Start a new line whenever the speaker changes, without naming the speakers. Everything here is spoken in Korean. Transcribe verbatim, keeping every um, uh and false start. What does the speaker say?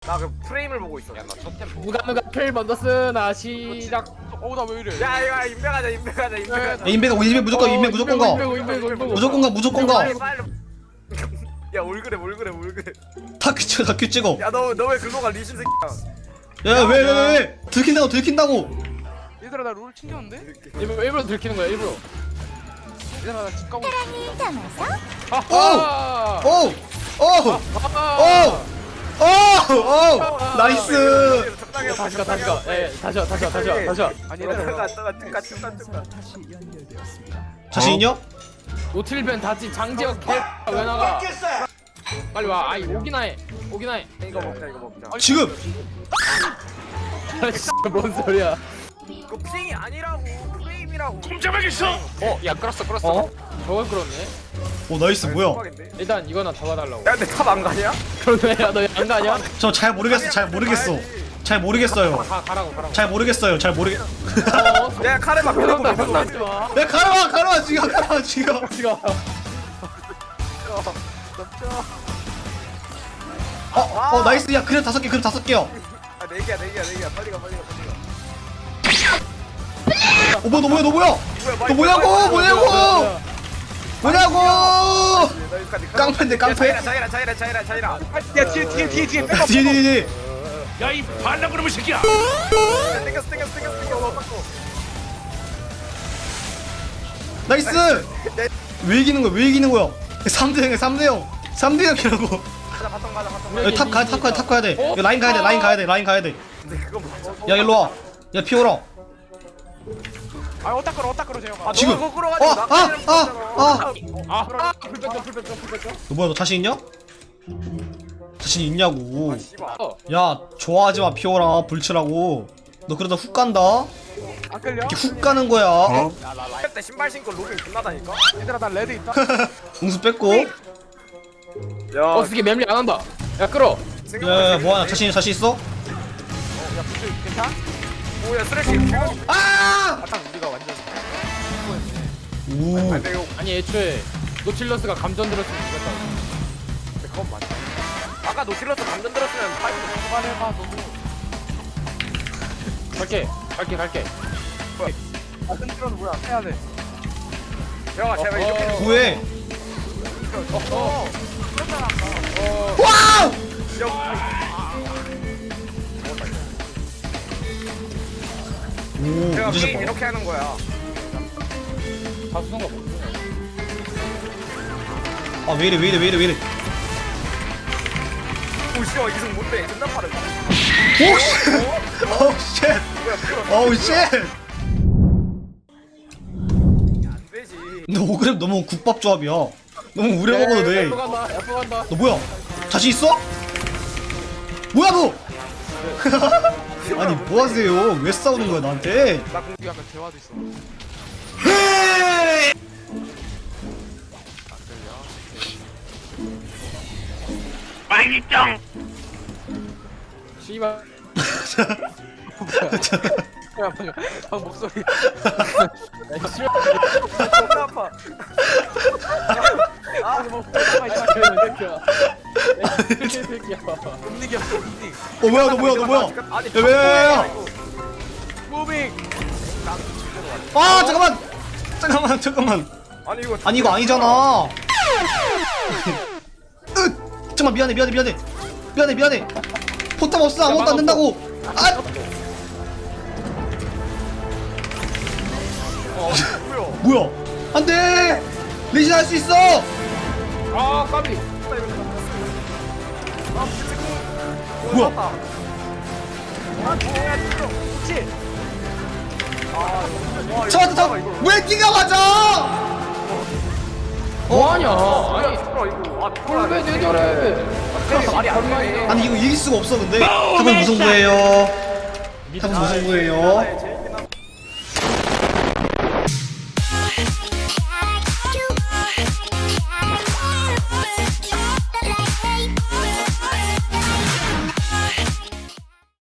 나 그 프레임을 보고 있어. 야나 첫 템.
누가 누가 필 먼저 쓰나 시작.
어우 나 왜 이래?
야 이거 인베가자 인베가자 인베가자.
야, 인베가 인베 무조건 인베 무조건 가.
인베고 인베고 인베고.
무조건 가 무조건 가.
빨리 빨리. 야 뭘 그래 뭘 그래 뭘 그래.
다큐 찍어 다큐 찍어.
야너 너 왜 그거 가 리신 새끼야.
야 왜 왜 왜 왜? 들킨다고 들킨다고.
얘들아 나 롤 챙겼는데?
일부러 일부러 들키는 거야 일부러.
얘들아 나 집 가고
사랑을 담아서
아하.
오! 오! 오! 오! 오! 나이스!
적당히
다시 가 다시 가. 예 다시 와 다시 와 다시 와 다시 와.
아니
얘들아
얘들아
뜨가 뜨가 뜨가 뜨가.
자신 있냐?
노틸벤 다치 장지혁 개. 왜 나가? 빨리 와. 아이 오기나 해. 오기나 해.
이거 먹자 이거 먹자.
지금!
아이씨 뭔 소리야?
이거 핑이 아니라고 프레임이라고.
어, 야 끌었어 끌었어. 어? 저걸 끌었네.
오 나이스 뭐야?
대박인데?
일단 이거나 잡아달라고.
야 근데 탑 안 가냐?
그러네. 야너안 가냐?
저 잘 모르겠어 잘 모르겠어 잘 모르겠어요
가 가라고 가라고.
잘 모르겠어요 잘 모르겠
어,
야 카레마 그러고
그런다
그러고.
그런다.
야 가라와 가라와 지금 가라와 지금
지가.
어, 어 나이스 야 그래 다섯 개 그래 다섯 개요
아네 개야 네 개야 네 개야 빨리 가 빨리 가 빨리 가.
어 뭐야 너 뭐야 너 뭐야 너 뭐냐고 뭐냐고 뭐냐고 깡패인데 깡패
자이라 자이라 자이라 자이라 자이라.
야 뒤에 뒤에 뒤에 뒤에 백업
뒤에 뒤에 뒤에
야이 반란 그놈의 새끼야!
땡겼어 땡겼어 땡겼어 땡겼어.
나이스 왜 이기는 거야 왜 이기는 거야 삼 대 영이야 삼 대 영 삼 대 영이라고
가자 바텀 가자 바텀 가자.
탑 가야 탑 가야 탑 가야 돼 이거 라인 가야 돼 라인 가야 돼 라인 가야 돼야
근데 그거 맞아.
일로 와야 피오라
아 어따 끌어 어따 끌어 재영아
아,
지금.
너가 그거 끌어가지고
어,
나
아,
때리는
아,
거잖아.
아.
아, 풀백점 풀백점 풀백점.
너 뭐야 너 자신 있냐? 자신 있냐고
아, 씨발.
어.
야 좋아하지마 피오라 불치라고 너 그러다 훅 간다
안 끌려?
이렇게 훅 가는 거야 어?
때 신발 신고 로빙 존나다니까.
얘들아 나 레드 있다
웅수 뺐고
야,
어, 스키 맵리 안 한다. 야 끌어.
야야야 뭐하냐 자신 자신 있어?
야 부스 괜찮아?
뭐야 쓰레기.
아!
딱 우리가 완전
오
근데 이거
아니 애초에 노틸러스가 감전 들었으면 이겼다고.
근데 그건 맞아
아까 노틸러스 감전 들었으면 파이브도
그만해봐 너도
갈게 갈게 갈게.
아 흔들어도 뭐야 해야 돼
야 제발 이렇게.
어.
뭐해
어.
와우! 오
제가
이제
게임
봐
이렇게 하는 거야.
다수성가 뭐?
아 왜이래 왜이래 왜이래 왜이래
오 씨야 이승 못돼. 존나 빠르다.
오씨 오우 쉣
뭐야 풀어.
오우 쉣
안 되지.
근데 오그램 너무 국밥 조합이야 너무 우려 먹어도 돼
야프 간다. 야프 간다.
너 뭐야? 자신 있어? 뭐야 너? 아니 뭐 하세요? 왜 싸우는 거야 나한테?
나 공.
우리 약간 대화도 있어
빵이짱!
씨발.
야 방금 방금 목소리
야 씨발.
존나 아파.
아 뭐,
이 새끼야.
못 이겼어 못
어 뭐야 너 뭐야 너 뭐야?
아니
야, 왜, 왜, 왜?
무빙
아 잠깐만 잠깐만 잠깐만
아니 이거
아니 이거 아니잖아 으 잠깐만 미안해 미안해 미안해 미안해 미안해 포탑 없어 아무것도 안 된다고 아
뭐야?
뭐야 안돼 리신 할 수 있어
아 까비.
뭐야
아 뭐야 진짜.
그렇지
와
잡았다 잡 왜 니가 맞아
뭐하냐? 아니
풀어 이거. 아 풀어.
왜 내절해?
말이 안 돼.
아니 이거 이길 수가 없어 근데 탑은 무승부예요 탑은 무승부예요